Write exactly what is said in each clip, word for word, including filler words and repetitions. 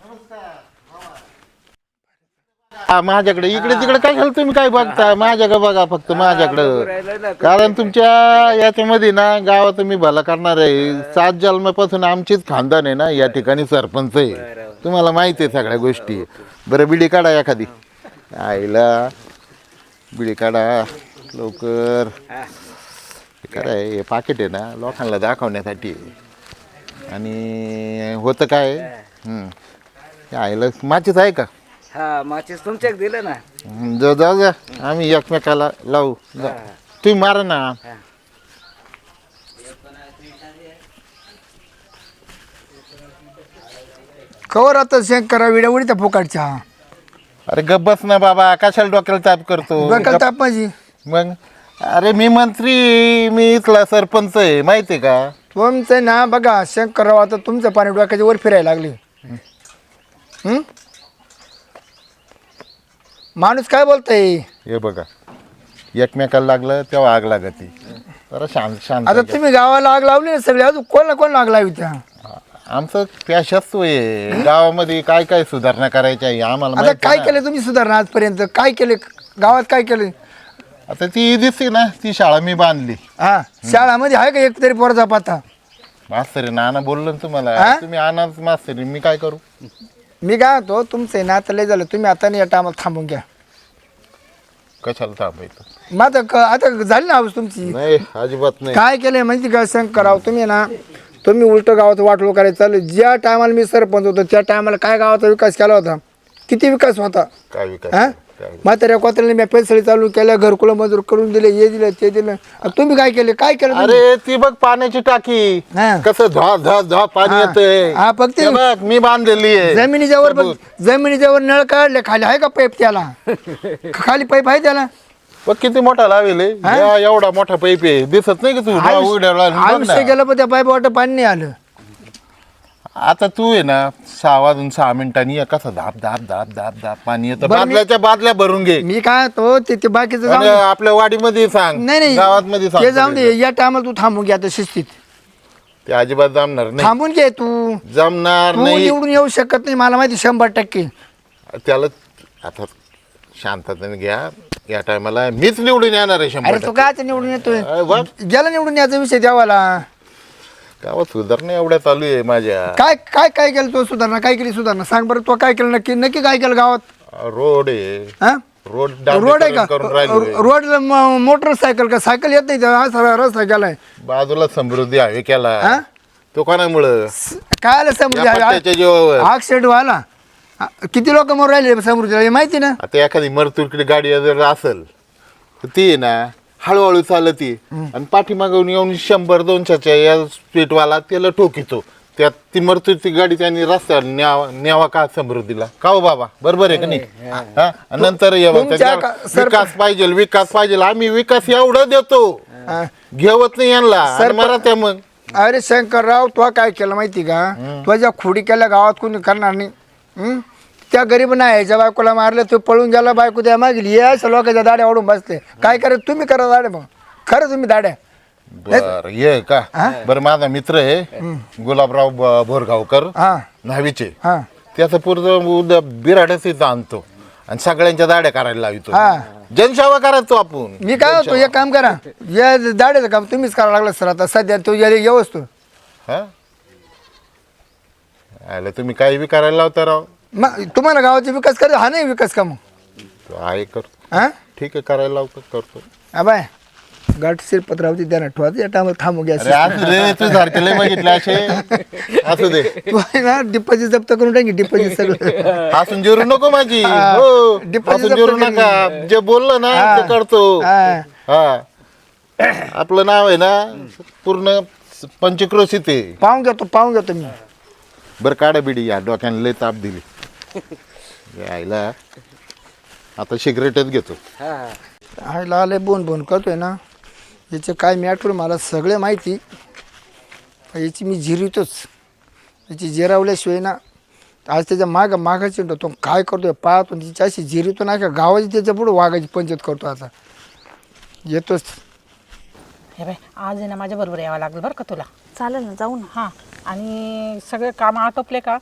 हा, माझ्याकडे इकडे तिकडे काय झालं तुम्ही काय बघता माझ्याकडे बघा फक्त माझ्याकडं कारण तुमच्या याच्यामध्ये ना गावात तुम्ही भला करणार आहे सात जन्मापासून आमचीच खानदान आहे ना या ठिकाणी सरपंच आहे तुम्हाला माहिती आहे सगळ्या गोष्टी बरं बिडी काढा एखादी आईला बिडी काढा लवकर काय हे पाकिट आहे ना लोकांना दाखवण्यासाठी आणि होतं काय आईला माचीच आहे का हा माचीस तुमच्याक दिलं ना जा जाऊ द्या आम्ही एकमेकाला लावू जा. तुम्ही मारा ना कवर आता शेक करा विड्या उडीता फुकाटच्या अरे गब्बस ना बाबा कशाला डोक्याला ताप करतो डोक्याला ताप माझी मग अरे मी मंत्री मी इथला सरपंच आहे माहिती आहे का तुमचं ना बघा शेक करावं आता तुमचं पाणी डोक्याच्या वर फिरायला लागले हं? माणूस काय बोलतय हे बघा एकमेकाला लागलं तेव्हा आग लागती जरा शांत शांत आता तुम्ही गावाला आग लावली ना सगळे अजून कोण ना कोण आग लावी त्या आमचं पॅशाच आहे गावामध्ये काय काय सुधारणा करायच्या आहे आम्हाला आता माहिती काय ना. केलं तुम्ही सुधारणा आजपर्यंत काय केले गावात काय केलं आता ती दिसते ना ती शाळा मी बांधली हा शाळामध्ये आहे का एक तरी पोराचा पाता मास्तरी नाना बोललो ना तुम्हाला हा? तुम्ही आणा मास्तरी मी काय करू मी काय होतो तुमचं ना आता लय झालं तुम्ही आता नाही या टायमाला थांबून घ्या कशाला थांबायचं मग आता क- आता झाली ना आवाज तुमची नाही अजिबात नाही काय केलंय माहिती का सांग करावं तुम्ही ना तुम्ही उलट गावाचं वाटलो करायचं चालू ज्या टायमाला मी सरपंच होतो त्या टायमाला काय गावाचा विकास केला होता किती विकास होता काय विकास हा काय म्हाताऱ्या कोत्र्याने मी पेन्सिल चालू केल्या घरकुलं मजूर करून दिले हे दिलं ते दिलं आणि तुम्ही काय केले काय केलं तुम्ही? अरे ती बघ पाण्याची टाकी हा. कसं झा झा झा पाणी हा. येतंय हा, फक्त- हे बघ मी बांधलेली आहे जमिनीच्या वर बघ, जमिनीच्या वर नळ काढले खाली आहे का पाईप त्याला खाली पाईप आहे त्याला बघ किती मोठा लावेल हे. या एवढा मोठा पैप आहे दिसत नाही की तू डोळा उघड्यावर लावून बघ आयुष्य ना. गेलं पण त्या पाईप वाटत पाणी नाही आलं आता तू आहे ना सहा वाजून सहा मिनिटांनी ये, कसं धाप धाप धाप धाप धाप पाणी येतं बरं, मी- बादल्याच्या बादल्या भरून घे मी काय तो ते ते बाकीचं जाऊन आणि आपल्या वाडीमध्ये सांग नाही गावात मध्ये नाही सांग ते जाऊन दे या टायमाला तू थांबून घे आता शिस्तीत ते अजिबात जमणार नाही थांबून घे तू जमणार तू नाही निवडून येऊ शकत नाही मला माहिती शंभर टक्के त्याला आता शांततेने घ्या या टायमाला मीच निवडून येणार आहे शंभर अरे तू काय निवडून येतोय अरे वा. गेला निवडून याचा विषय द्यावाला गावात सुधारणा एवढ्या चालू आहे माझ्या काय काय काय केलं तो सुधारणा काय केली सुधारणा सांग बरं तो काय केलं नक्की नक्की काय केलं गावात रोड आहे हा रोड रोड आहे का करून राहिलोय रोडला मोटरसायकल का सायकल येत नाही हा सगळा रस्ता गेलाय बाजूला समृद्धी हवे हा? केला तो कोणामुळं काय आलं समृद्धी या पट्ट्याच्या जीवावर ऍक्सिडेंट व्हायला आ, किती लोक मग राहिले समृद्धीला हे माहिती ना आता एखादी मरतुरकडे गाडी जर असेल तर ती आहे ना हळूहळू चालती आणि पाठीमागून येऊन शंभर दोनशेच्या या स्पीडवाला त्याला ठोकितो त्यात ती मरतुरची गाडी त्यांनी रस्त्यावर न्यावा न्यावा का समृद्धीला का हो बाबा बरोबर आहे का नाही हा आणि नंतर ये बघ, तुमच्या त्याच्या का- सर- विकास पाहिजे विकास पाहिजे आम्ही विकास एवढं देतो हा. घेवत नाही यांना आणि सर- मरा त्या मग अरे शंकरराव तो काय केलं माहिती का तुझ्या खोडी केल्या गावात कोणी करणार नाही हं? त्या गरीब नाही याच्या बायकोला मारलं तो पळून गेला बायको त्या मागली या लोकांच्या दाड्या ओढून बसले काय करा तुम्ही करा दाड्या मग खरं तुम्ही दाड्या बर ये का बरं माझा मित्र आहे गुलाबराव ब- बोरगावकर हा न्हावीचे हा त्याचं पूर्ण उद्या बिराडच इथं आणतो आणि सगळ्यांच्या दाड्या करायला लावितो हा. जनसेवा करायचो आपण मी काय होतो एक काम करा या दाड्याचं काम तुम्हीच करावं लागलं सर आता सध्या तो व्यवस्थू हा आलं तुम्ही काही बी करायला लावता राव मग तुम्हाला गावाचा विकास करा हा नाही विकास का मग तो आहे कर हा ठीक आहे करायला लावतो करतो हा बाय गाठ शिरपत्रावती द्या ना ठेवायचं या टायमाला थांबू अरे घ्या असू दे तू सारखे लय बघितले असे असू दे तू आहे ना डिपॉझिट जप्त करून टाकी डिपॉझिट सगळं हसून जिरू नको माझी हा. हो Deposit हसून जिरू जप्त नका जे बोललं ना हा. ते करतो हा. हा आपलं नाव आहे ना पूर्ण पंचक्रोशीत आहे पाहून घेतो पाहून घेतो मी बरं काढा बिडी या डोक्याने लय ताप दिली यायला आता सिगरेटच घेतो आयला आले बोन बोन करतोय ना याचे काय मॅटर मला सगळे माहिती याची मी झिरवतोच याची जिरावल्याशिवाय ना आज त्याच्या माग मागाची तो काय करतोय पाहतो तिची अशी झिरवतो ना का गावाची त्याच्या पुढे वाघाची पंचायत करतो आता येतोच हे बाय आज आहे ना माझ्या बरोबर यावं लागेल बरं का तुला चालेल ना जाऊ ना हां आणि सगळे कामं आटोपले का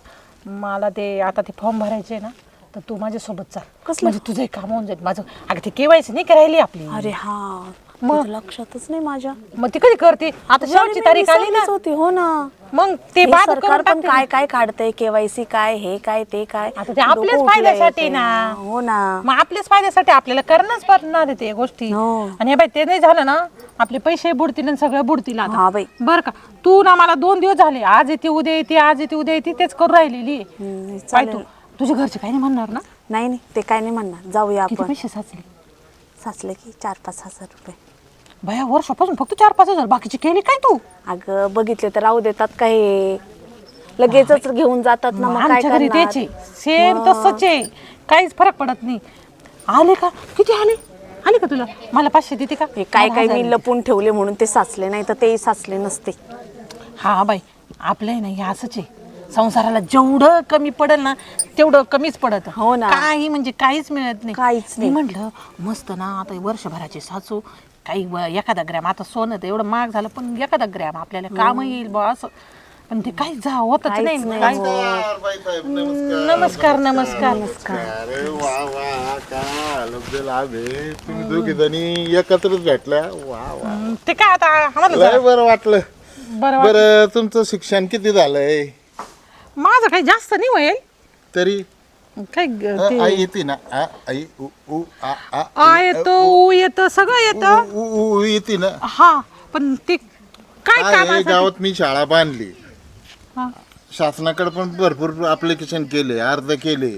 मला ते आता ते फॉर्म भरायचे ना तर तू माझ्यासोबत चाल कसं म्हणजे तुझं काम होऊन जाईल माझं अगं ते केवायसी नाही करायली आपली अरे हा मग? मग लक्षातच नाही माझ्या मग ती कधी करते आता शेवटची तारीख आली ना होती हो ना मग ते हे बाद सरकार करून पण टाकते काय काय काढतंय केवायसी काय हे काय ते काय आता ते आपल्याच डोकं फायद्यासाठी उठलंय ना. ते. हो ना मग आपल्याच फायद्यासाठी आपल्याला करणंच पडणार आहे ते गोष्टी हो. आणि हे बाई ते नाही झालं ना आपले पैसे बुडतील आणि सगळं बुडतील आता हा बाई बरं का तू ना मला दोन दिवस झाले आज येते उद्या येते आज येते उद्या येते तेच करून राहिलेली आहे. हम्म, पाय चालेल. तू तुझ्या घरचे काही नाही म्हणणार ना नाही नाही ते काय नाही म्हणणार जाऊया किती आपण पैसे साचले साचले की चार पाच हजार रुपये भया वर्षापासून फक्त चार पाच हजार बाकीचे केले काय तू अगं बघितले तर राहू देतात काय लगेचच घेऊन जातात ना मग काय आमच्या घरी करणार त्याचे सेम तसंच आहे काहीच फरक पडत नाही आले का किती आले आले का तुला मला पाचशे देते का हे काय मला काय हजार मी दे. लपून ठेवले म्हणून ते साचले नाही तर तेही साचले नसते हा बाई आपलं आहे ना हे असंच आहे संसाराला जेवढं कमी पडेल ना तेवढं कमीच पडत हो ना. काही म्हणजे काहीच मिळत नाही काहीच मी नाही. म्हटलं मस्त ना आता वर्षभराचे साचू काही व- एखादा ग्रॅम आता सोनं तर एवढं महाग झालं पण एखादा ग्रॅम आपल्याला काम येईल बा असं पण ते काहीच जा होतच काहीच नाही नाही काही- होत. नमस्कार बाईसाहेब, नमस्कार नमस्कार नमस्कार अरे वा वा काय लब्ध लाभ आहे तुम्ही दोघी जणी एकत्रच भेटल्या वा वा हम्म, ते काय आता आम्हाला लय जरा बरं वाटलं बरं वाट- बरं तुमचं शिक्षण किती झालंय माझं काही जास्त नाही होईल तरी काय अ, ग- ते आई येते ना आ, आई उ उ आ आ आ येतो ऊ येतं सगळं येतं उ, उ, उ येते ना हा पण ते काय काय आहे, कामासाठी गावात मी शाळा बांधली हा. शासनाकडे पण भरपूर ॲप्लिकेशन केले अर्ज केले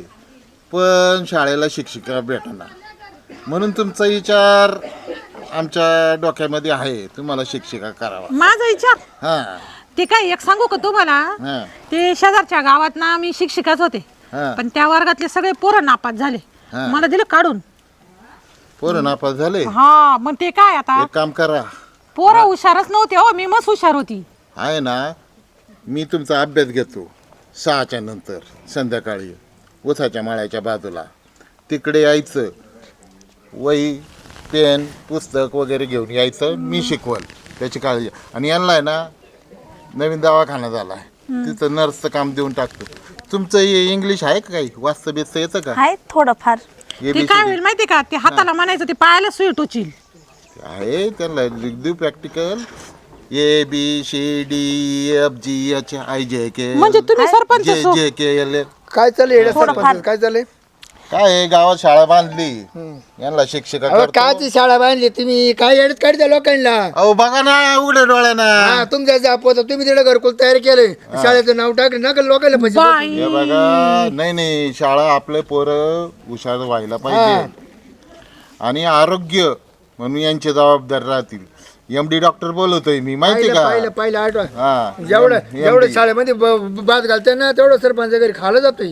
पण शाळेला शिक्षिका भेटना म्हणून तुमचा विचार आमच्या डोक्यामध्ये आहे तुम्हाला शिक्षिका करावा माझा विचार हां ते काय एक सांगू का तुम्हाला हां ते शेजारच्या गावात ना मी शिक्षिकाच होते हां पण त्या वर्गातले सगळे पोरं नापास झाले हा. मला दिलं काढून पोरं नापास झाले हा मग ते काय आता एक काम करा पोरं हुशारच नव्हते हो मी मस्त हुशार होती आहे ना मी तुमचा अभ्यास घेतो सहाच्या नंतर संध्याकाळी उसाच्या माळ्याच्या बाजूला तिकडे यायचं वही पेन पुस्तक वगैरे घेऊन यायचं मी शिकवल त्याची काळजी आणि यांना आहे ना नवीन दवाखाना झाला आहे तिथं नर्सचं काम देऊन टाकतो तुमचं हे इंग्लिश आहे का काही वाचतं बिचतं येतं का आहे थोडंफार हे ते काय होईल माहिती का ते हाताला म्हणायचं ते पायाला सुई टोचील आहे त्यांना देऊ practical A B C D F G H I J K म्हणजे तुम्ही सरपंच जे सो- जे के एल काय चाललंय येड्या सरपंच काय चाललंय काय आहे, गावात शाळा बांधली यांना शिक्षिका अहो करतो. काची शाळा बांधली तुम्ही काय येडत काढता लोकांना अहो बघा ना उघड्या डोळ्याना हा तुमच्या जापोत तुम्ही तिकडे घरकुल तयार केलंय शाळेचं नाव टाकलं नका लोकांना पैसे बाई हे बघा नाही नाही शाळा आपले पोरं हुशार व्हायला पाहिजे आणि आरोग्य म्हणून यांची जबाबदारी राहतील एम डी डॉक्टर बोलवतोय मी माहिती पाहिलं का पाहिलं पाहिलं आठवा हा जेवढं M D. जेवढं शाळेमध्ये ब- बाद घालताय ना तेवढं सरपंच घरी खाल्लं जातोय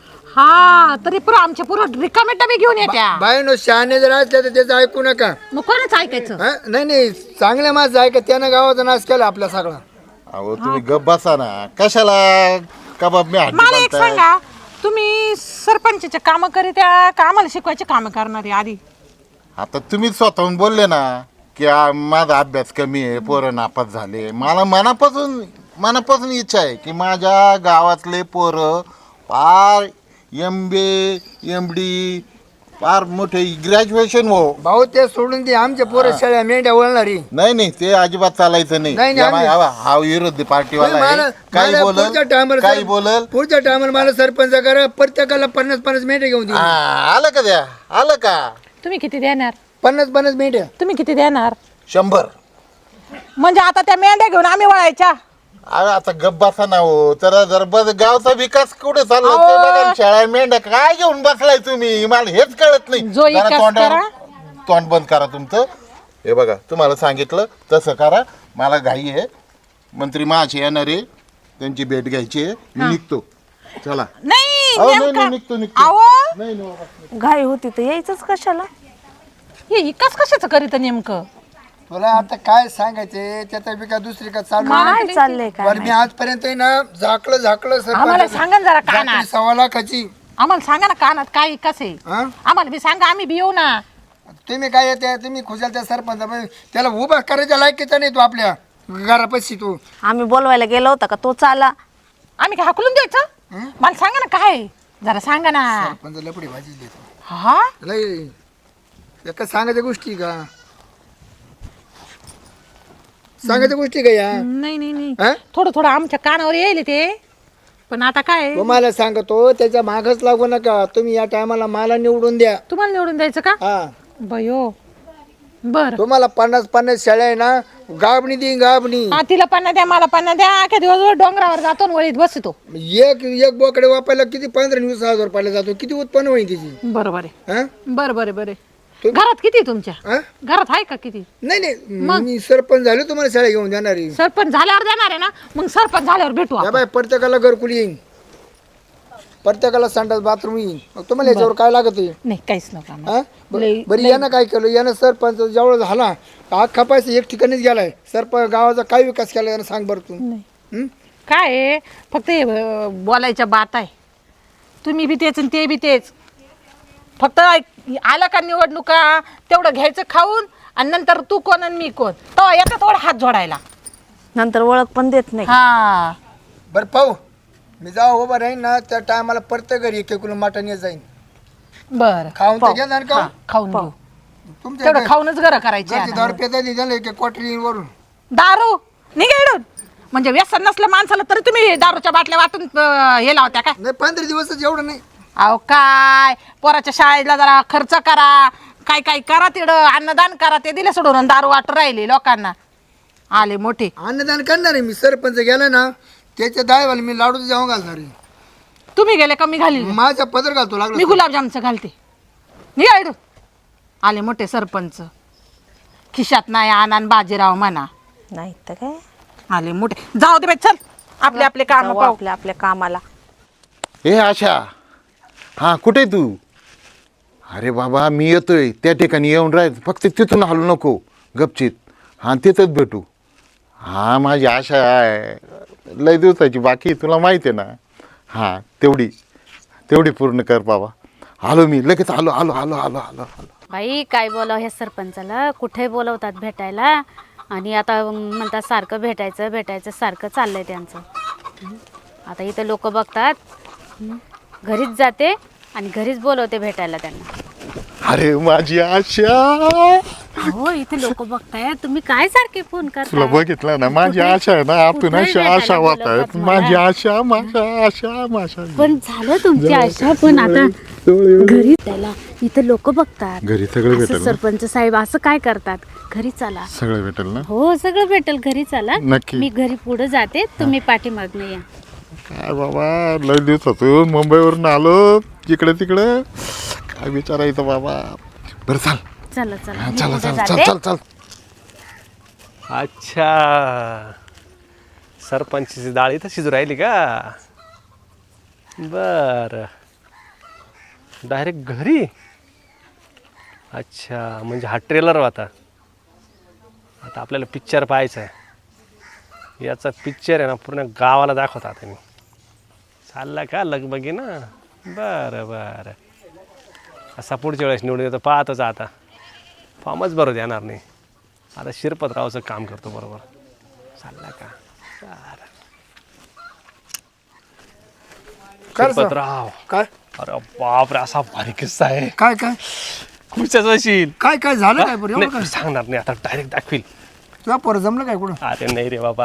हा तरी पुरं आमच्या पुरं रिकामे डबे घेऊन येत्या बायनो शहाणे जर असल्या तर त्याचं ऐकू नका मग कोणाच ऐकायचं हा? नाही नाही चांगल्या माणसं आहे का त्यानं गावाचा नाश केला आपला सगळा अहो तुम्ही गप बसा ना कशाला कबाब मी हड्डी मला एक बांधताय? सांगा तुम्ही सरपंचाचे काम करीत्या का आम्हाला शिकवायचे काम करणारे आधी आता तुम्हीच स्वतःहून बोलले ना की आ, माझा अभ्यास कमी आहे पोरं नापास झाले मला मनापासून मनापासून इच्छा आहे की माझ्या गावातले पोरं फार एम बी एम डी फार मोठे ग्रॅज्युएशन हो भाऊ ते सोडून दे आमच्या पोरं शाळा मेंढ्या वळणारी नाही नाही ते अजिबात चालायचं नाही नाही, नाही, या मा- आम्ही- हा हा विरोधी पार्टीवाला मला- आहे काही मला बोलल पुढच्या टायमाला काही सर- बोलल पुढच्या टायमाला मला सरपंच करा प्रत्येकाला पन्नास पन्नास मेंढ्या घेऊन दे हा, आलं का द्या आलं का तुम्ही किती देणार पन्नास पन्नास मेंढ्या तुम्ही किती देणार शंभर म्हणजे आता त्या मेंढ्या घेऊन आम्ही वळायच्या अरे आता गप बसा ना हो तर जर बस गावचा विकास कुठे चालला ते अहो. बघा शाळा मेंढ्या काय घेऊन बसलाय तुम्ही मला हेच कळत नाही जो जरा विकास तोंडावर- करा. तोंड बंद करा तुमचं हे बघा तुम्हाला सांगितलं तसं करा मला घाई आहे मंत्री महाशय येणार आहे त्यांची भेट घ्यायची आहे मी निघतो चला नाही अहो, नाही, नेमका- नाही, निघतो, निघतो. अहो, नाही नाही बाबा. घाई होती तर यायचंच कशाला हे विकास कशाचं करीत नेमकं तुला आता काय सांगायचे त्याचा बी का दुसरी का चालू काय चाललंय काय बरं मी आजपर्यंत आहे ना झाकलं झाकलं सरपंच. आम्हाला सांगा ना जरा कानात. झाकली सव्वा लाखाची आम्हाला सांगा ना कानात काय विकास आहे हा आम्हाला बी सांगा आम्ही बी येऊ ना तुम्ही काय येते तुम्ही खुशाल त्या सरपंच त्याला उभा करायच्या लायकीचा नाही तू आपल्या घरापाशी तू आम्ही बोलवायला गेलो होता का तो चाला आम्ही काय हाकलून द्यायचं मला सांगा ना काय जरा सांगा ना. पण लपडी भाजी देतो हा लय एका सांगायच्या गोष्टी का सांगायच्या गोष्टी का या नाही नाही नाही हा? थोडं थोडं आमच्या कानावर येईल ते पण आता काय तुम्हाला सांगतो त्याच्या मागच लागू नका तुम्ही या टायमाला मला निवडून द्या तुम्हाला निवडून द्यायचं का हा बयो बर तुम्हाला पन्नास पन्नास शेळ्या आहे ना गाबणी देईन गाबणी हा तिला पन्ना द्या मला पन्ना द्या अख्या दिवसभर डोंगरावर जातो आणि वळीत बसतो. एक एक बोकडे वापरायला किती पंधरा वीस हजार रुपयाला जातो किती उत्पन्न होईल त्याची बरोबर आहे हा? बरं बरं बरं तू- घरात किती तुमच्या हा? घरात आहे का किती नाही नाही मी सरपंच झालो तुम्हाला शाळा घेऊन देणार आहे सरपंच झाल्यावर देणार आहे ना मग सरपंच झाल्यावर भेटू या आपण. बाय प्रत्येकाला घरकुली येईन प्रत्येकाला संडास बाथरूम येईन मग तुम्हाला याच्यावर काय लागत आहे नाही काहीच नका आम्हाला. हा? ब- लई- बरं यानं काय केलं यानं सरपंच जवळ झाला अख्खा पैसा एक ठिकाणीच गेलाय सरपंच गावाचा काय विकास केला यानं सांग बरं तू नाही. हं? काय आहे, फक्त हे, अं, बोलायच्या बात आहे तुम्ही बी तेच आणि ते बी तेच फक्त आला का निवडणुका तेवढं घ्यायचं खाऊन आणि नंतर तू कोण आणि मी कोण तो येतात थोडा हात जोडायला. नंतर ओळख पण देत नाही. हा बरं पाहू मी जाऊ उभा राहीन ना त्या टायमाला प्रत्येक घरी एक किलो मटण येत जाईन बर खाऊन तर घेणार का खाऊन घेऊ तुमच्या तेवढं खाऊनच घर करायचे घरची दारू पेता नाही झालं एक क्वार्टर वरून दारू निघेडून म्हणजे व्यसन नसलं माणसाला तरी तुम्ही दारूच्या बाटल्या वाटून अं, हे लावत्या काय. नाही पंधरा दिवसच एवढं नाही अहो काय पोराच्या शाळेला जरा खर्च करा काय काय करा तिकडं अन्नदान करा ते दिले सोडून आणि दारू वाटू राहिले लोकांना आले मोठे. अन्नदान करणार आहे मी सरपंच गेला ना त्याच्या दायवाला मी लाडू जेवण घालणार आहे तुम्ही गेले कमी घाली माझ्या पदर घालतो मी लागलो गुलाबजामचं घालते निघायडू आले मोठे सरपंच खिशात नाही आणान बाजीराव म्हणा नाही तर काय आले मोठे जाऊ दे बाई चल आपले आपले काम जाऊ पाहू. आपल्या आपल्या कामाला. ए आशा हां कुठे तू? अरे बाबा मी येतोय त्या ठिकाणी येऊन राहायचं फक्त तिथून हलू नको गपचित हां तिथंच भेटू. हां माझी आशा आहे लय दिवसाची बाकी तुला माहिती आहे ना. हां तेवढी तेवढी पूर्ण कर बाबा. आलो मी लगेच आलो आलो आलो आलो आलो आलो. बाई काय बोलाव ह्या सरपंचाला कुठे बोलवतात भेटायला आणि आता म्हणतात सारखं भेटायचं भेटायचं सारखं चाललंय त्यांचं. हं. आता इथं लोक बघतात हं. घरीच जाते आणि घरीच बोलवते भेटायला त्यांना. अरे माझी आशा हो इथे लोक बघताय तुम्ही काय सारखे फोन तुला करता. बघितलं ना माझी आशा आहे ना आपण कुठे अशा आशा भेटायला होत बोलवतात आहेत मला? माझी आशा माझ्या आशा माझ्या पण झालं तुमची आशा पण आता घरी त्याला इथं लोक बघतात. घरी सगळं असं भेटेल ना? सरपंच साहेब असं काय करतात घरी चला. सगळं भेटेल ना हो सगळं भेटेल घरी चला. नक्की. मी घरी पुढे जाते तुम्ही पाठीमागनं या. काय बाबा लय दिवसातून मुंबईवरून आलो इकडे तिकडे काय विचारायचं बाबा. बरं चाल चला चला हा, मी चला पुढे चल चल जाते. चल चल. अच्छा सरपंचची डाळ इथं शिजू राहिली का बर डायरेक्ट घरी. अच्छा म्हणजे हा ट्रेलर होता आता आपल्याला पिक्चर पाहायचा आहे याचा पिक्चर आहे ना पूर्ण गावाला दाखवता आता मी चालला का लगबगी ना बरं बरं असा पुढच्या वेळेस निवडून येतो पाहतोच आता फॉर्मच बरोबर येणार नाही आता शिरपतरावचं काम करतो बरोबर चालला का बरं कर सर. शिरपतराव काय अरे बापरे असा भारी किस्सा आहे काय काय खुर्च्याच असेल काय काय झालं काय बरं एवढं नाही, काय मी सांगणार नाही आता डायरेक्ट दाखवील तुला पोरं जमलं काय कुठं अरे नाही रे बाबा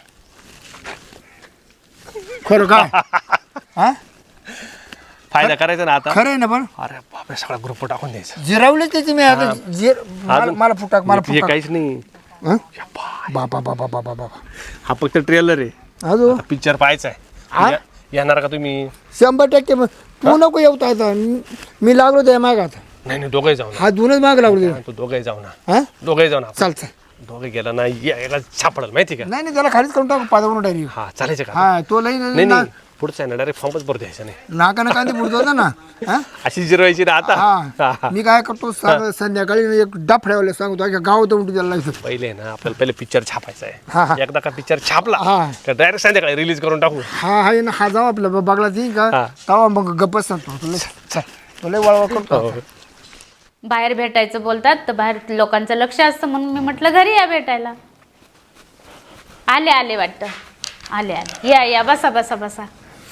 खरं काय हा फायदा करायचा ना आता खरं आहे ना पण अरे बापरे सगळा ग्रुप टाकून द्यायचा जिरावले त्याची मी आता जिर मला अजून- मला फुटाक मला हे फुटाक काहीच नाही हं? बाबा बाबा बाबा बाबा हा फक्त ट्रेलर आहे अजून पिक्चर पाहायचा आहे या- येणार का तुम्ही शंभर टक्के मग तू नको येऊ तर आता मी- मी लागलो त्या मागात नाही नाही दोघे जाऊ ना हा दोनच माग लागलो ते तू दोघे जाऊ ना हा दोघे जाऊ ना चाल चाल दोघे गेला ना या- याला सापडल माहिती का नाही नाही त्याला खालीच करून टाकू पादावरून डायरेक्ट हा चालायचं का हा तो लई नाही ना- नाही पुढचा आहे ना डायरेक्ट फॉर्मच भरू द्यायचा नाही नाकानं कांदी बुडतो होता ना हा? अशी जिरवायची ना आता हा मी काय करतो सांग- संध्याकाळी एक डाफड्यावाला सांगतो अख्या गावात उलटी त्याला लागायचं पहिले ना आपल्याला पहिले पिक्चर छापायचा हा, हा. आहे एकदा का पिक्चर छापला हा. तर डायरेक्ट संध्याकाळी रिलीज करून टाकू हा हा ना हा जाऊ आपलं बघला ती का हा. तवा मग गप्पच सांगतो तुला चल तुला वळवळ करतो हो. बाहेर भेटायचं बोलतात तर बाहेर लोकांचं लक्ष असतं म्हणून मी म्हटलं घरी या भेटायला. आले आले वाटतं आले आले या या बसा बसा बसा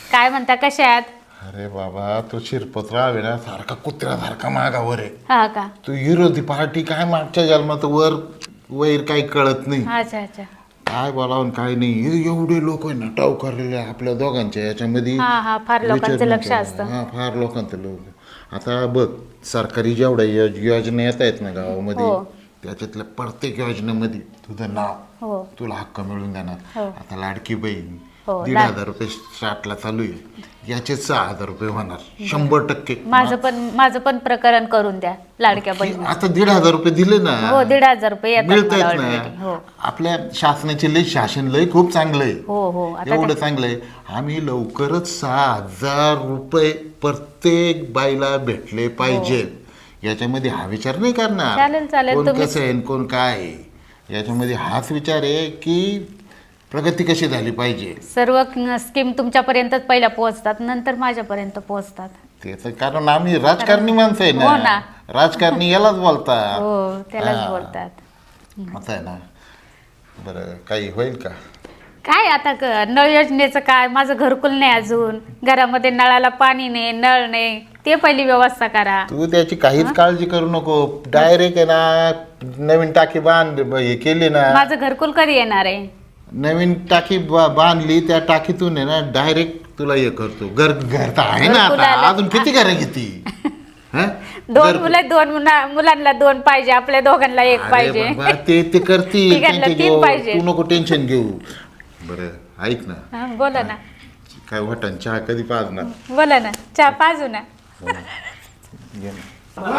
काय म्हणता, कशा आहात? अरे बाबा तो शिरपतराव आहे ना सारखा कुत्र्यासारखा मागावर आहे. हा का? तू विरोधी पार्टी काय मागच्या जन्मात वर वैर काही कळत नाही. अच्छा अच्छा. काय बोलावं काय नाही. हे एवढे लोक आहे ना टाव करलेले आपल्या दोघांच्या याच्यामध्ये. हा हा फार लोकांचं विचार लक्ष नका. असतं. हा फार लोकांचं लोक. आता बघ सरकारी जेवढ्या योज- योजना येत आहेत ना गावामध्ये हो. त्याच्यातल्या प्रत्येक योजनेमध्ये तुझं नाव हो तुला हक्क मिळून देणार. हो. आता लाडकी बहीण हो, दीड लाड- हजार रुपये स्टार्टला चालू आहे. याचे सहा हजार रुपये होणार शंभर टक्के. माझं पण माझं पण प्रकरण करून द्या लाडक्या बहिणी. आता दीड हजार रुपये दिले ना. हो दीड हजार रुपये येतात मिळत मला आहेत already. ना. हो आपल्या शासनाचे लय शासन लय खूप चांगलं आहे. हो हो आता एवढं काय- चांगलं आहे. आम्ही लवकरच सहा हजार रुपये प्रत्येक बाईला भेटले पाहिजे. याच्यामध्ये हा विचार नाही करणार चालेल, चालेल. कोण तुम्ही- कसं आहे आणि कोण काय आहे. याच्यामध्ये हाच विचार आहे की प्रगती कशी झाली पाहिजे. सर्व स्कीम तुमच्यापर्यंतच पहिल्या पोहोचतात, नंतर माझ्यापर्यंत पोहोचतात. त्याचं कारण आम्ही राजकारणी माणसं आहे हो ना. ना. राजकारणी यालाच बोलतात. हो त्यालाच हा. बोलतात. असं आहे ना. बरं काही होईल का? काय आता क- नळ योजनेचं काय, माझं घरकुल नाही अजून, घरामध्ये नळाला पाणी नाही, नळ नाही, ते पहिली व्यवस्था करा. तू त्याची काहीच काळजी करू नको. डायरेक्ट आहे ना नवीन टाकी बांध हे केली ना. माझं घरकुल कधी येणार आहे? नवीन टाकी बा- बांधली त्या टाकीतून आहे ना डायरेक्ट तुला हे करतो. घर घर तर आहे ना घरकुल आता. आलं. अजून किती घरं घेती? हं? दोन घर- मुलं दोन मुला मुलांना दोन पाहिजे, आपल्या दोघांना एक अरे पाहिजे. बाबा, ते ते करतील तिघांना त्यांच्या तीन जीवावर. पाहिजे. तू नको टेन्शन घेऊ. बरं ऐक ना हा, बोला ना काय वाटण चहा कधी पाजणार? बोला ना, चहा पाजू ना. घे ना.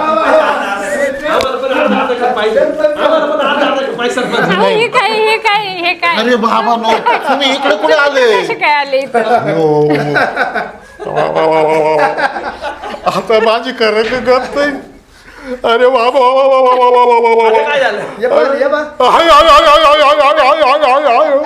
अहो, हे काय हे काय हे काय अरे बाबा नो तुम्ही इकडे कुठे आले? कसे काय आले इथं? आता माझी खरं का गप नाही. अरे वा वा वा वा वा वा वा वा वा वा वा. काय झालं? ये बघ, ये बघ. हाय, हाय, हाय, हाय, हाय, हाय, हाय, हाय, हाय, हाय, हाय.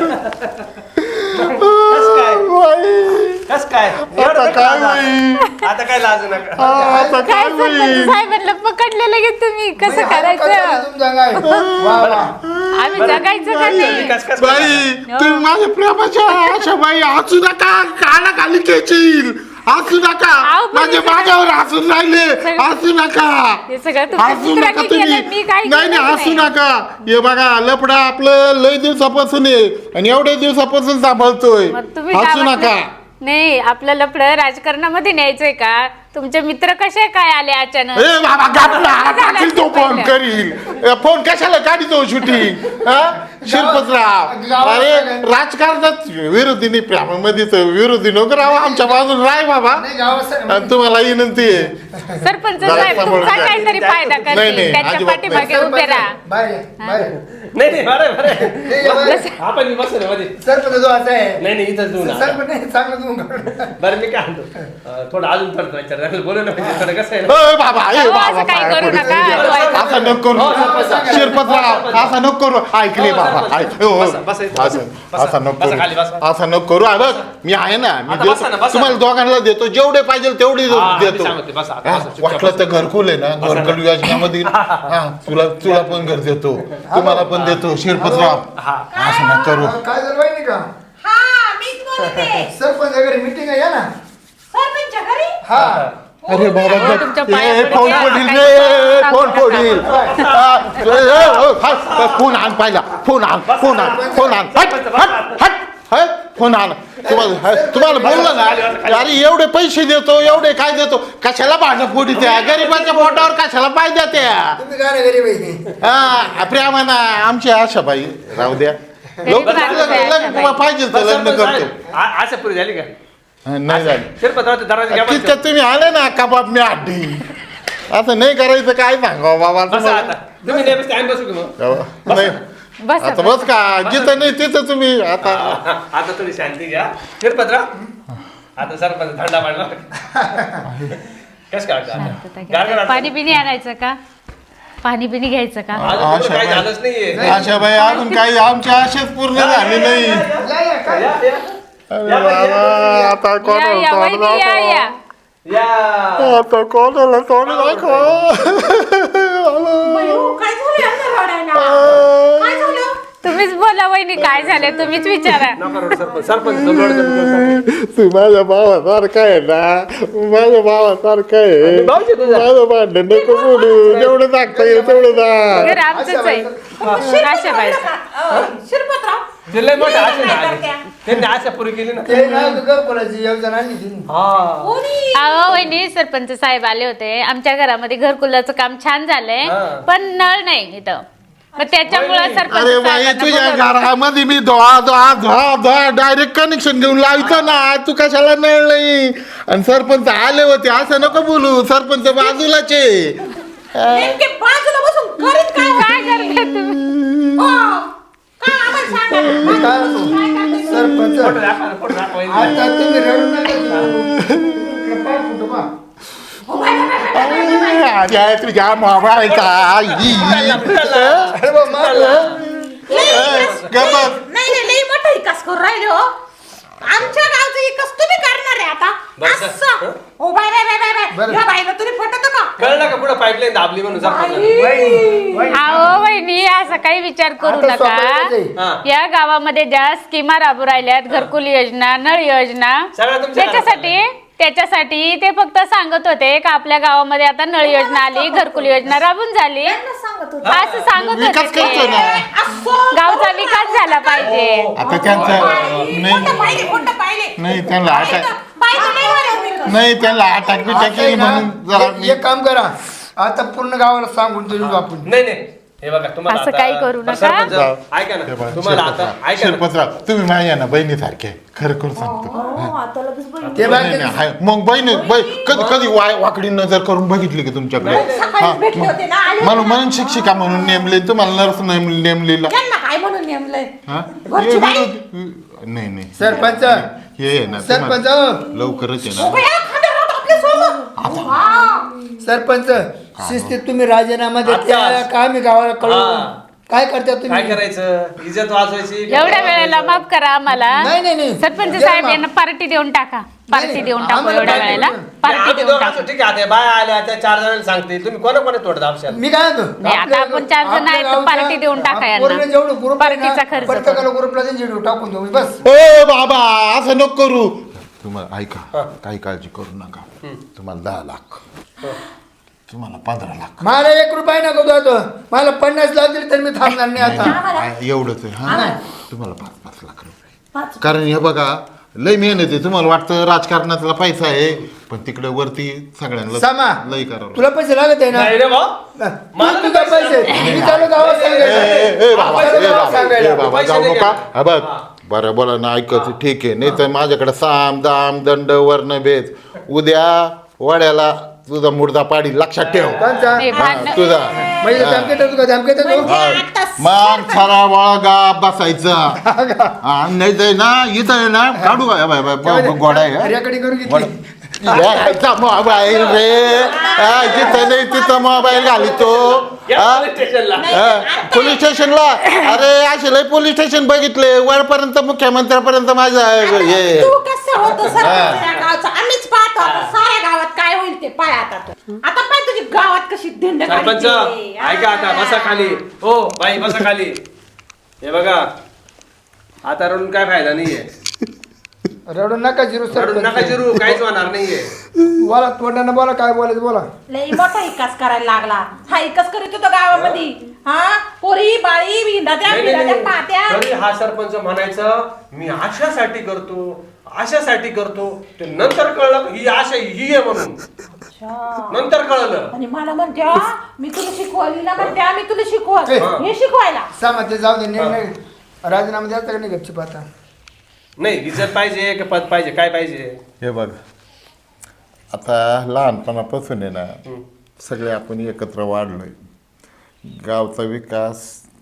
बाई, कस काय आता काय होईल? आता काय लाजू नका. आता काय काय सरपंच होईल? साहेबांना पकडले लगेच तुम्ही, कसं हात करायचं? पकडले तुमच्या गाय. वा, वा. आम्ही जगायचं का नाही? कस कस बाई तुम्ही माझ्या प्रेमाच्या आशा बाई हसू नका. काना खाली खेचील. हसू नका. अहो, पण माझे हे सगळं- माझ्यावर हसून राहिले. सगळं- हसू नका. हे सगळं तुमच्या हसू मित्राने नका केलं, तुम्ही. मी काय नाही नाही केलं हसू नाही. नका. हे बघा लपडा आपलं लय दिवसापासून आहे आणि एवढ्या दिवसापासून सांभाळतोय. मग तुम्ही हसू काय नका. म्हटलं? नाही, आपलं लफडं राजकारणामध्ये न्यायचंय का? तुमचे मित्र कसे काय आले अचानक? ए बाबा गाठला झालं टाकील तो फोन पहिलं. करील. ए, फोन कशाला काढितो शूटिंग? शिरपतराव अरे राजकारणात विरोधी नाही प्रेमामध्येच विरोधी नको राव आमच्या बाजून राय बाबा. नाही, गावात आणि तुम्हाला विनंती आहे सरपंच जरा साहेब सांभाळून तुमचा घ्या. काहीतरी फायदा नाही, करतील, नाही, त्यांच्या अजिबात पाठीमागे नाही. उभे राहा. बाहेर ये, बाहेर ये. नाही नाही बरं बरं ये, ये, बाहेर ये. आपण बसू ना मध्ये. सरपंच जो असा आहे. नाही नाही इथंच देऊ ना. सरपंच नाही, चांगलं तुम्ही बरं मी काय म्हणतो अं, थोडं अजून थोडं विचार बोलू ना म्हणजे थोडं कसं आहे ना. ए, बाबा ए, अहो, बाबा असं काही पाया करू पडू. नका. असं नको करू शिरपतराव असं नको करू. ऐकले बाबा ऐक हो, हो. बसा, बसा, असं बसा. असं नको बसा खाली, करू. बसा. असं नको करू. आहे बघ मी आहे ना मी आता देतो. बसा ना, बसा. तुम्हाला दोघांना देतो जेवढे पाहिजे तेवढे हा, मी देतो. सांगते, बसा, हा, बसा, चुपचाप वाटलं तर घरकुल आहे ना घरकुल योजनेमध्ये हा तुला तुला पण घर देतो तुम्हाला पण देतो शिरपतराव. हा. असं नका करू. काय जर वाईट नाही का? हा मीच बोलते. सरपंच घरी मीटिंग आहे या ना. सरपंचच्या घरी हा अरे बाबा हो, तुमच्या पाया ए, पडते. फोन आता पडील काय रे सांगू फोन नका. पडील. हा, ए, ए, ए, हट, फोन आण पाहिला फोन आण फोन आण फोन आण हट हट हट हट फोन आण. तुम्हाला हट, तुम्हाला बोललं ना अरे एवढे पैसे देतो एवढे काय देतो कशाला भांडण फोडी त्या गरीबाच्या पोटावर कशाला पाय त्या. तुम्ही काय नाही घरी बाई. हा प्रेमाना आमची आशा बाई राहू द्या. लवकर माणूस आहे लग्न- आशाबाई. लग्न पाहिजे तर लग्न करतो. आ- आशा पुरी झाली का? हा, नाही झालं शिरपतराव दरवाजा घ्या बसा. तितक्यात तुम्ही आले ना कबाब मी हड्डी. असं नाही करायचं काय सांगावं बाबा बसा तुम्हाला. आता तुम्ही नाही बसते आम्ही बसू की मग? नाही बसा, आता बस का जिथं नाही तिथं तुम्ही आता आता थोडी शांती घ्या शिरपतराव आता सरपंच थंडा पाडला कस काय वाटतं आता? गारगार वाटतं? पाणी बिणी आणायचं का? पाणी बिणी घ्यायचं का? अजून कुठं काही आशा झालंच नाहीये. आशा बाई अजून काही आमची आशाच पूर्ण झाली नाही. या, या, काय? या, या. अरे बाबा आता या या कोणाला वहिनी तोंड या या. दाखव. या आता कोणाला तोंड दाखव. काय झालं यांना रडायला? काय झालं? तुम्हीच बोला वहिनी काय झाले तुम्हीच विचारा. नका रडू सरपंच सरपंच लोड कमी तू माझ्या भावासारखा आहे ना, माझ्या भावासारखा आहे. भाऊजी तुझा. माझं भांडण नको बोलू, जेवढं सांगता येईल तेवढं सांग. घर आमचंच आहे. अशा बाई शिरपतराव ते लय मोठं आशा झाली. त्यांनी आशा पुरी केली ना. ते ना घरकुलाची योजना आणली तिने. हा अहो वहिनी सरपंच साहेब आले होते आमच्या घरामध्ये घरकुलाचं काम छान झालंय हा. पण नळ नाही इथं मग त्याच्यामुळे अरे सरपंच बाई, साहेबांना तुझ्या बोलवलं. घरामध्ये मी धुवा धुवा धुवा धुवा डायरेक्ट कनेक्शन घेऊन लावतो ना, तू कशाला नळ नाही. आणि सरपंच आले होते असं नको बोलू, सरपंच बाजूलाचे. नेमके बाजूला बसून करीत काय काय करताय तुम्ही? हो. काय आम्हाला सांगा. मी काय म्हणतो, सरपंच फोटो दाखवा, फोटो दाखवा. आता तुम्ही रडू नका. इकडे पाय फुटू बा. अरे तुझ्या मोबाईलचा अरे बा, मारलं. नाही नाही लई मोठा विकास करून राहिले हो. आमच्या गावचा विकास तुम्ही करणार आहे आता बस. असं. ओ bye bye bye bye bye बरं. या बाईला तुम्ही पटत का? कळलं का पुढे पाईपलाईन दाबली म्हणून सरपंच. वहिनी, वहिनी. अहो वहिनी असा काही विचार करू आता स्वतःच नका आहे. हा. या गावामध्ये ज्या स्कीमा राबू राहिल्यात घरकुल योजना नळ योजना सगळ्या तुमच्या त्याच्यासाठी त्याच्यासाठी ते फक्त सांगत होते का आपल्या गावामध्ये आता नळ योजना आली घरकुल योजना राबून झाली सांगत होते. असं सांगत विकास होते करतोय ते. ना. असं. गावचा विकास झाला पाहिजे आता त्यांचं बाई, नाही खोटं पाहिले खोटं पाहिले. नाही त्यांना अटॅक पाहिजे नाही म्हणे तुम्ही. नाही त्यांना अटॅक बिटॅक आता आहे केली ना, म्हणून जरा एक- मी- एक काम करा आता पूर्ण गावाला सांगून देऊ आपण. नाही नाही हे बघा तुम्हाला असं आता- काही करू नका. सरपंच, जाऊ. ऐका हे ना बघा, तुम्हाला आता शिरपतराव, ऐका ना. शिरपतराव तुम्ही माझ्या ना बहिणीसारखे खरं करून सांगतो. हो, आता लगेच बहिणी. ते नाही, बाकी नाही, हाय. मग बहिणी बै- कधी कधी वाय वाकडी नजर करून बघितली की तुमच्याकडे सकाळीच भेटले होते ना आले म्हणून म्हणून शिक्षिका म्हणून नेमले तुम्हाला नर्स नेम- नेमलेला त्यांना काय म्हणून नेमलंय हा? घरची हे बाई. विरोध- नाही नाही सरपंच हे आहे ना सरपंच तुम्हाला लवकरच आहे ओ ना बाई, खांद्यावर हात आपल्या सोबत. हा. सरपंच शिस्तीत तुम्ही राजीनामा देते आता. काय मी गावाला हा. कळू काय करता काय तुम्ही? करायचं इज्जत वाचवायची. एवढ्या वेळेला माफ करा आम्हाला नाही, नाही, नाही. सरपंच द्या साहेब माफ. यांना पार्टी देऊन टाका पार्टी नाही, देऊन टाकू आम्हाला एवढ्या पार्टी वेळेला देऊ. पार्टी आम्ही देऊन दोघं टाकू असू, ठीक आहे आता बाया आल्या त्या चार जणांना सांगते तुम्ही कोणा कोणा तोड दाबशाल. मी काय म्हणतो नाही, आता आपल्या- आपण चार जण आपल्या आहेत, तर गावच्या- पार्टी देऊन टाका यांना. पोरीने जेवढं ग्रुप आहे ना, पार्टीचा खर्च प्रत्येकाला ग्रुपला त्यांची व्हिडिओ टाकून देऊ बस. ए बाबा असं नको करू. तुम्हाला ऐका काही काळजी करू नका. तुम्हाला दहा लाख तुम्हाला पंधरा लाख मला एक रुपया नको देतो मला पन्नास लाख दिले तर मी थांबणार नाही आता. आ- एवढंच आहे हा तुम्हाला पाच पाच लाख रुपये. कारण हे बघा लय मेहनत आहे. तुम्हाला वाटतं राजकारणातला पैसा आहे पण तिकडे वरती सगळ्यांना सामा लय करावं तुला पैसे लागत आहे ना नाही रे भाऊ. तू तुझा पैसे मी चालू गावात ए, सांगायचं. ए, ए, बाबा, चालू ए, गावात बाबा, सांगायला. ए, बाबा, पैसे जाऊ नाही नका घेणार. हा बघ बरं बोला ना ऐकत ठीक आहे नाही तर माझ्याकडे साम दाम दंड वर्ण भेद उद्या वड्याला तुझा मुर्दा पाडी लक्षात ठेव कोणचा? नाही, हा, भांडण- तुझा म्हणजे धमकेत होतो का धमकेत होतो? आता मान खरा वळगा बसायचा हा, नाही तर ना इथं आहे ना काढू का? बाय बाय बाय, गोडा आहे हा? रेकॉर्डिंग करून घेतली यायचा मोबाईल रे हा, जिथं नाही तिथं मोबाईल घालितो या हा? पोलीस स्टेशनला. हा, पोलीस स्टेशनला अरे असे लय पोलीस स्टेशन बघितले वरपर्यंत मुख्यमंत्र्यापर्यंत माझं हे तू कसं होतं सरपंच या गावचं आम्हीच पाहतो आता साऱ्या गावात काय होईल ते पाय आता तू. आता पाय तुझी गावात कशी धिंड सरपंच काढते. ऐका आता बसा खाली. हो बाई बसा खाली. हे बघा आता रडून काय फायदा नाहीये. रडू नका जिरू रडून नका सरपंच जिरू काहीच होणार नाहीये. बोला तोंडानं बोला काय बोलायचं बोला. लई मोठा विकास करायला लागला हा विकास करीत होतो गावामध्ये हा पोरी बाळी भिंडात्या नाही, नाही, भिंडात्या नाही. पात्या तरी हा सरपंच म्हणायचं मी आशासाठी करतो आशासाठी करतो ते नंतर कळलं ही आशा ही आहे म्हणून नंतर कळलं. आणि मला म्हणत्या मी तुला शिकवली ना म्हणत्या मी तुला शिकवत ए. हे शिकवायला सामा ते जाऊ दे निर्णय राजीनामा द्यायचा का नाही गपचूप आता? नाही इज्जत पाहिजे का पद पाहिजे काय पाहिजे. हे बघ आता लहानपणापासून आहे ना सगळे आपण एकत्र वाढलोय गावचा विकास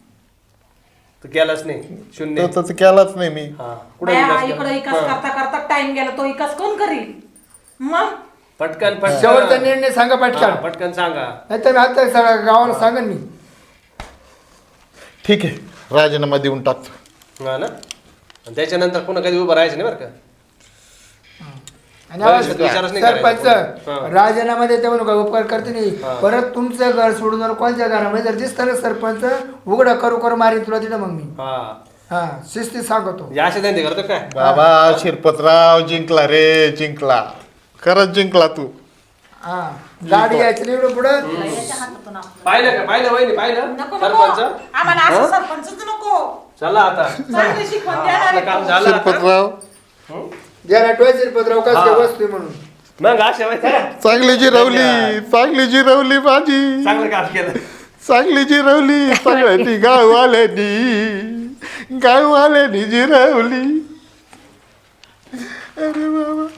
तू केलाच नाही शून्य. तो तर केलाच नाही मी हा. कुठे बाया, विकास इकडं केला? विकास हा. करता करता टाइम गेला तो विकास कोण करील मग पटकन पटकन शेवटचा निर्णय सांगा हा, पटकन पटकन सांगा. नाही तर आता सगळ्या गावाला सांगा मी. ठीक आहे राजीनामा देऊन टाकतो. हा ना आणि त्याच्यानंतर पुन्हा कधी उभं राहायचं नाही बरं का. आणि आवाज- विचारच नाही करायचा. सरपंच राजीनामा देते म्हणून काय उपकार करते नाही परत तुमचं घर सोडून जर कोणत्या घरामध्ये जर दिसतं ना सरपंच उघडा करू करू मारीन तुला तिथं मग मी हा हा शिस्ती सांगतो या अशा धंदे करतो काय बाबा शिरपतराव जिंकला रे जिंकला खरंच जिंकला तू हा गाडी यायची नाही एवढं पुढं पाहिलं का पाहिलं वहिनी पाहिलं नको नको सरपंच आम्हाला असं सरपंचच नको चला आता चांगली शिकवण देणार आपलं आहे काम तो. झालं आता. शिरपतराव ज्याला टोयचे पत्राव कसं काय वस्तू म्हणून मग अशा माहिती आहे? चांगली जिरवली चांगली जिरवली माझी चांगलं काम केलं चांगली जिरवली सगळ्यांनी गाववाल्यांनी गाववाल्यांनी जिरवली अरे बाबा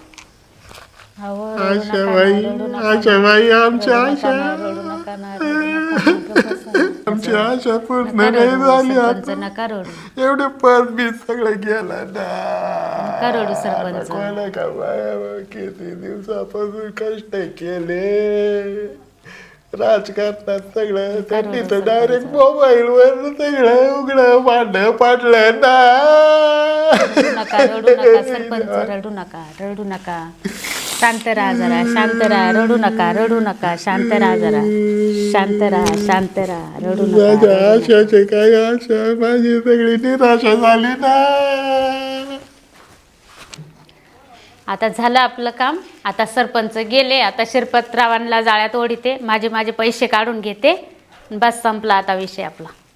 आशा बाई आशा बाई आमच्या आशा आमची आशा पूर्ण नाही झाली आता नका रडू एवढे पद मी सगळं गेला ना नका रडू सरपंच कोणा का बाया किती दिवसापासून कष्ट केले राजकारणात सगळं त्यांनी तर डायरेक्ट मोबाईल वर सगळं उघडं भांडं पाडलं ना नका रडू नका सरपंच रडू नका रडू नका शांत राहा जरा शांत राहा रडू नका रडू नका शांत राहा जरा शांत राहा शांत राहा रडू माझ्या नका आशाचे काय आशा माझी सगळी निराशा झाली ना आता झालं आपलं काम आता सरपंच गेले आता शिरपतरावांना जाळ्यात ओढीते माझे माझे पैसे काढून घेते बस संपला आता विषय आपला